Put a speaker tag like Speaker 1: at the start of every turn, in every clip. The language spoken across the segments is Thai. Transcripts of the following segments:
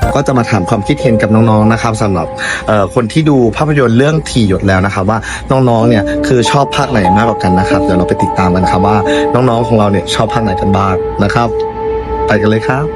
Speaker 1: ก็จะมาถามความคิดเห็นกับน้องๆนะครับสำหรับคนที่ดูภาพยนตร์เรื่องถี่หยดแล้วนะครับว่าน้องๆเนี่ยคือชอบภาคไหนมากกว่ากันนะครับเดี๋ยวเราไปติดตามกันครับว่าน้องๆของเราเนี่ยชอบภาคไหนกันบ้างนะครับไปกันเลยครับ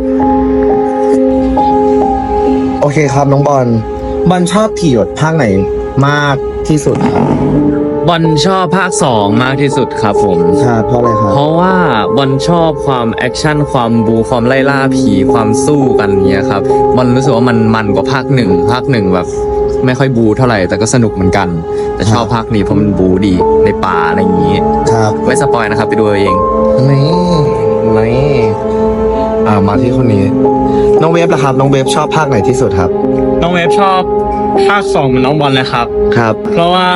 Speaker 1: โอเคครับน้องบอลชอบถี่หยดภาคไหนมากที่สุดครับ
Speaker 2: บอลชอบภาค2มากที่สุดครับผม
Speaker 1: ครับเพราะอะไรครับ
Speaker 2: เพราะว่าบอลชอบความแอคชั่นความบูความไล่ล่าผีความสู้กันเนี้ยครับบอลรู้สึกว่ามันกว่าภาคหนึ่งแบบไม่ค่อยบูเท่าไหร่แต่ก็สนุกเหมือนกันแต่ชอบภาคนี้เพราะมันบูดีในป่าอะไรอย่างนี้
Speaker 1: ครับ
Speaker 2: ไม่สปอยนะครับไปดูเอง
Speaker 1: นี่มาที่คนนี้น้องเวฟล่ะครับน้องเวฟชอบภาคไหนที่สุดครับ
Speaker 3: น้องเวฟชอบภาค2เหมือนน้องบอลเลยครับ
Speaker 1: ครับ
Speaker 3: เพราะว่า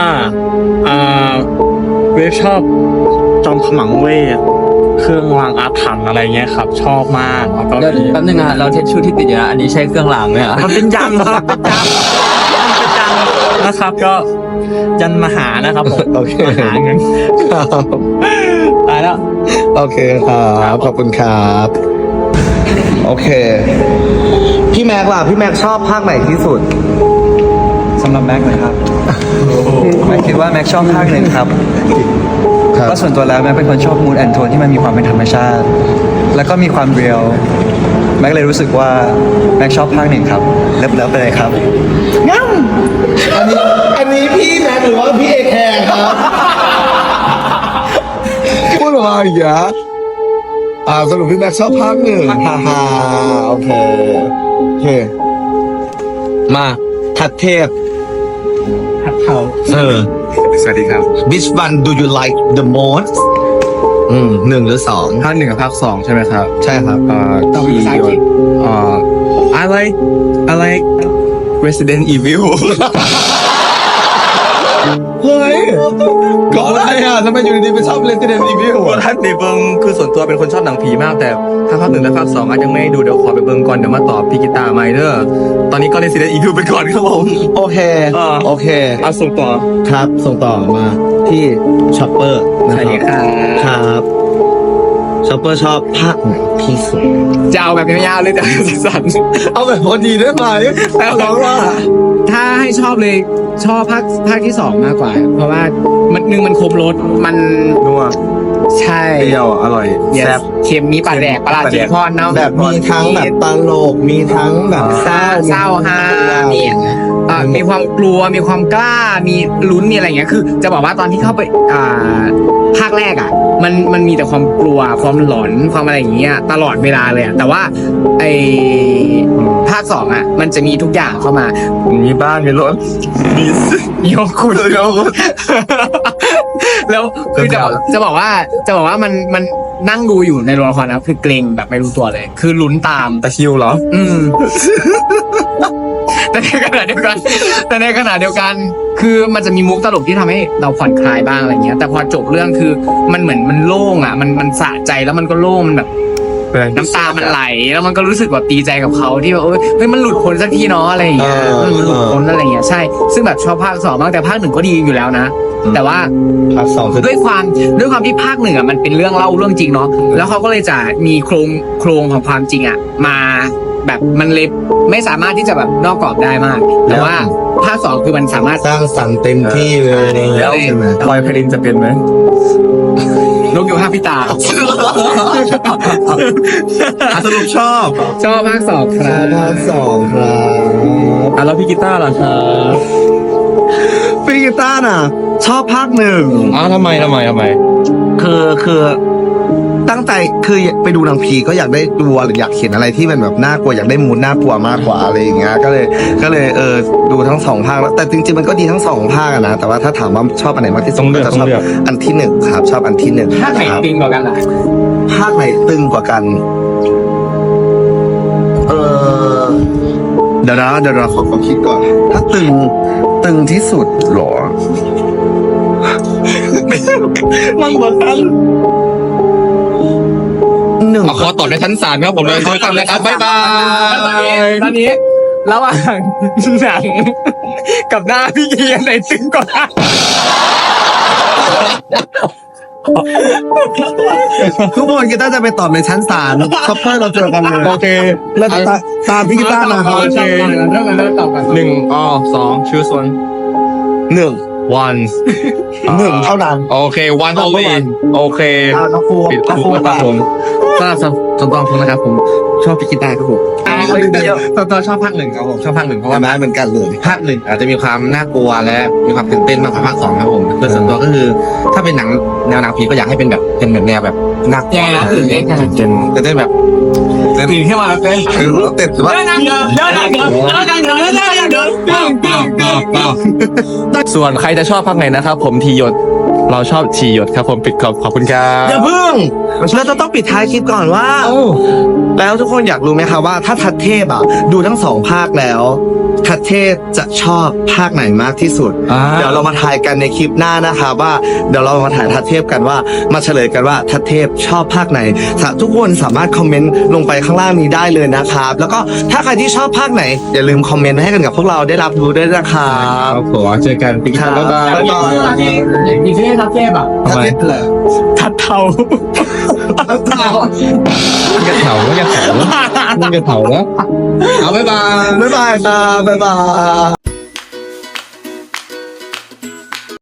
Speaker 3: เวฟชอบจอมขมังเวทเครื่องรางอาถรรพ์อะไรเงี้ยครับชอบมากแล้วก็
Speaker 2: แป๊บนึงนะเราเทสชูที่ติดอยู่นะอันนี้ใช้เครื่องรางไหมอ่ะ
Speaker 3: มันเป็นยันครับเป็นยันนะครับก็ยันมหานะครับผม
Speaker 1: โอเค
Speaker 3: มหาเงินตายแล้ว
Speaker 1: โอเคครับขอบคุณครับโอเคพี่แม็กล่ะพี่แม็กชอบภาคไหนที่สุด
Speaker 4: สำหรับแม็กนะครับแม็กคิดว่าแม็กชอบภาคหนึ่งครับก็ส่วนตัวแล้วแม็กเป็นคนชอบมูดแอนโทนที่มันมีความเป็นธรรมชาติแล้วก็มีความเรียลแม็กเลยรู้สึกว่าแม็กชอบภาคหนึ่งครับเลิฟไปเลยครับ
Speaker 1: งั้นอันนี้พี่แม็กหรือว่าพี่เอแคร์ครับพูดออกมาอย่างเงี้ยสรุปพี่แม็กชอบภาคหนึ่งฮ่าโอเคมาทัดเทพ
Speaker 3: ทัดเขา
Speaker 1: สวัสดีครับ Which one do you like the most หนึ่งหรือสอง
Speaker 3: ภาค1กับภาค2ใช่ไหมครับ
Speaker 1: ใช่ครับ
Speaker 3: ต้องมียศI like Resident Evil
Speaker 1: เฮ้ยก่อนอะไรทำไมอยู่ดีๆไปชอบ Resident Evil
Speaker 3: ท่านในเบิงคือส่วนตัวเป็นคนชอบหนังผีมากแต่ถ้าภาค1และภาค2อาจยังไม่ดูเดี๋ยวขอไปเบิงก่อนเดี๋ยวมาตอบพี่กีตาร์ไมเดอร์ตอนนี้ก็ Resident Evil ไปก่อนครับผม
Speaker 1: โอเค
Speaker 3: ส่งต่อ
Speaker 1: ครับส่งต่อมาที่ช็อปเปอร์นะครับช็อปเปอร์ชอบภาคไหนที่สุด
Speaker 3: จะเอาแบบยาวๆเลยแต่สั้น
Speaker 1: ๆเอาแบบพอดีได้ไหมแต่ร้องว่า
Speaker 3: ถ้าให้ชอบเลยชอบภาคที่2มากกว่าเพราะว่ามันครบรสมัน
Speaker 1: นัว
Speaker 3: ใช่
Speaker 1: เปรี้ยวอร่อย
Speaker 3: แซ่บเค็มมีปลาแดกปลาจีพอนเนาะ
Speaker 1: แบบมีทั้งแบบตลกมีทั้งแบบเศร้า
Speaker 3: ฮามีความกลัวมีความกล้ามีลุ้นมีอะไรอย่างเงี้ยคือจะบอกว่าตอนที่เข้าไปภาคแรกอ่ะมันมีแต่ความกลัวความหลอนความอะไรอย่างเงี้ยตลอดเวลาเลยแต่ว่าไอภาค2อ่ะมันจะมีทุกอย่างเข้ามา
Speaker 1: มีบ้านมีรถ
Speaker 3: มีห้องคุณแล้วคือจะบอกว่ามันนั่งดูอยู่ในโรงละครนะคือเกรงแบบไม่รู้ตัวเลยคือลุ้นตาม
Speaker 1: ตะคิวเหรอ
Speaker 3: แต่ในขณะเดียวกันคือมันจะมีมุกตลกที่ทำให้เราผ่อนคลายบ้างอะไรเงี้ยแต่พอจบเรื่องคือมันเหมือนมันโล่งอ่ะมันสะใจแล้วมันก็โล่งมันแบบน้ำตามันไหลแล้วมันก็รู้สึกแบบดีใจกับเขาที่แบบเฮ้ยมันหลุดพ้นสักทีเนาะอะไรอย่างเงี้ยมันหลุดพ้นอะไรอย่างเงี้ยใช่ซึ่งแบบชอบภาค2มากแต่ภาค1ก็ดีอยู่แล้วนะแต่ว่า
Speaker 1: ภาค2
Speaker 3: ด้วยความที่ภาค1อ่ะมันเป็นเรื่องเล่าเรื่องจริงเนาะแล้วเขาก็เลยจะมีโครงของความจริงอ่ะมาแบบมันเลยไม่สามารถที่จะแบบนอกกรอบได้มากแต่ว่าภาค2คือมันสามารถ
Speaker 1: สร้างสรรค์เต็มที่เลย
Speaker 3: แล้วใช่ไหม
Speaker 1: พลอยไพรินจะเป็นไหม
Speaker 3: นกอยู่ห้าพี่ตา
Speaker 1: สรุปชอบ
Speaker 3: ภาค2ครับ
Speaker 1: ภาค2ครับ
Speaker 3: แล้วพี่กีตาร์ล่ะครับ
Speaker 1: พี่กีตาร์น่ะชอบภาค1
Speaker 2: ทำไม
Speaker 1: คือตั้งใจคือไปดูหนังผีก็อยากได้ดูหรืออยากเห็นอะไรที่มันแบบน่ากลัวอยากได้มูดน่ากลัวมากกว่าอะไรอย่างเงี้ยก็เลยดูทั้ง2ภาคแล้วแต่จริงๆมันก็ดีทั้ง2ภาคนะแต่ว่าถ้าถามว่าชอบอันไหนมากที่สุดก็จะชอบอันที่1ครับชอบอันที่1
Speaker 3: ภาคไหนตึงกว่ากันล่ะ
Speaker 1: ภาคไหนตึงกว่ากันเดี๋ยวเราขอคิดก่อนถ้าตึงที่สุดหรอ
Speaker 3: มันกว่ากัน
Speaker 2: ขอตอบในชั้นศาลครับผมเลยช่วยกันเลยครับบ๊ายบาย
Speaker 3: ตอนนี้ระหว่างหนังกับหน้าพี่เกียร์ไหนตึงกว่า
Speaker 1: ทุกคนกีตาร์จะไปตอบในชั้นศาลคัพเปอร์เราเจอกันเลย
Speaker 2: โอเค
Speaker 1: แล้วตามพี่กีตาร์มาครับ
Speaker 2: โอเค
Speaker 3: เริ่มตอบกัน
Speaker 2: 1 2 choose one
Speaker 1: หนึ่ง
Speaker 2: one
Speaker 1: หนึ่งเท่านั้น
Speaker 2: โอเค one only โอเค
Speaker 1: น้องฟู
Speaker 2: ปิด
Speaker 1: น้องฟู
Speaker 2: ครับผมสำหรับส่วนตัวผมนะครับผมชอบพี่กีตาร์ครับผม
Speaker 5: ตัวชอบภาคหนึ่งครับผมชอบภาคหนึ่งเพราะ
Speaker 1: ว่า
Speaker 5: ว่า
Speaker 1: ไม้เหมือนกันเลย
Speaker 5: ภาคหนึ่งอาจจะมีความน่ากลัวและมีความตื่นเต้นมากกว่าภาคสองครับผมโดยส่วนตัวก็คือ ถ้าเป็นหนังแนวหนังผีก็อยากให้เป็นแบบเป็นแบบแนวแบบน่ากลัวตื่นเต้นตื่นเต้นแบบ
Speaker 3: ตื่นขึ้นมาเป็น
Speaker 1: คือเต็มว่า
Speaker 2: ส่วนใครจะชอบภาคไหนนะครับผมทีหยดเราชอบทีหยดครับผมปิดขอบคุณครับ
Speaker 1: อย่าพึ่งเราจะต้องปิดท้ายคลิปก่อนว่า แล้วทุกคนอยากรู้ไหมคะว่าถ้าทัดเทพอ่ะดูทั้งสองภาคแล้ว ทัดเทพจะชอบภาคไหนมากที่สุด เดี๋ยวเรามาทายกันในคลิปหน้านะคะว่าเดี๋ยวเรามาถ่ายทัดเทพกันว่ามาเฉลยกันว่าทัดเทพชอบภาคไหนทุกคนสามารถคอมเมนต์ลงไปข้างล่างนี้ได้เลยนะครับแล้วก็ถ้าใครที่ชอบภาคไหนอย่าลืมคอมเมนต์ให้กันกับพวกเราได้รับรู้ด้วยนะครับ
Speaker 5: ครับผมเจอกันปี
Speaker 1: ครับ
Speaker 5: บ๊ายบาย
Speaker 3: อีกที่ทับเทพอ่ะ
Speaker 1: ทัดเทพเลย
Speaker 3: ทัดเทา
Speaker 5: มันกระเถาแล้ว
Speaker 1: บ๊ายบายครับบ๊ายบาย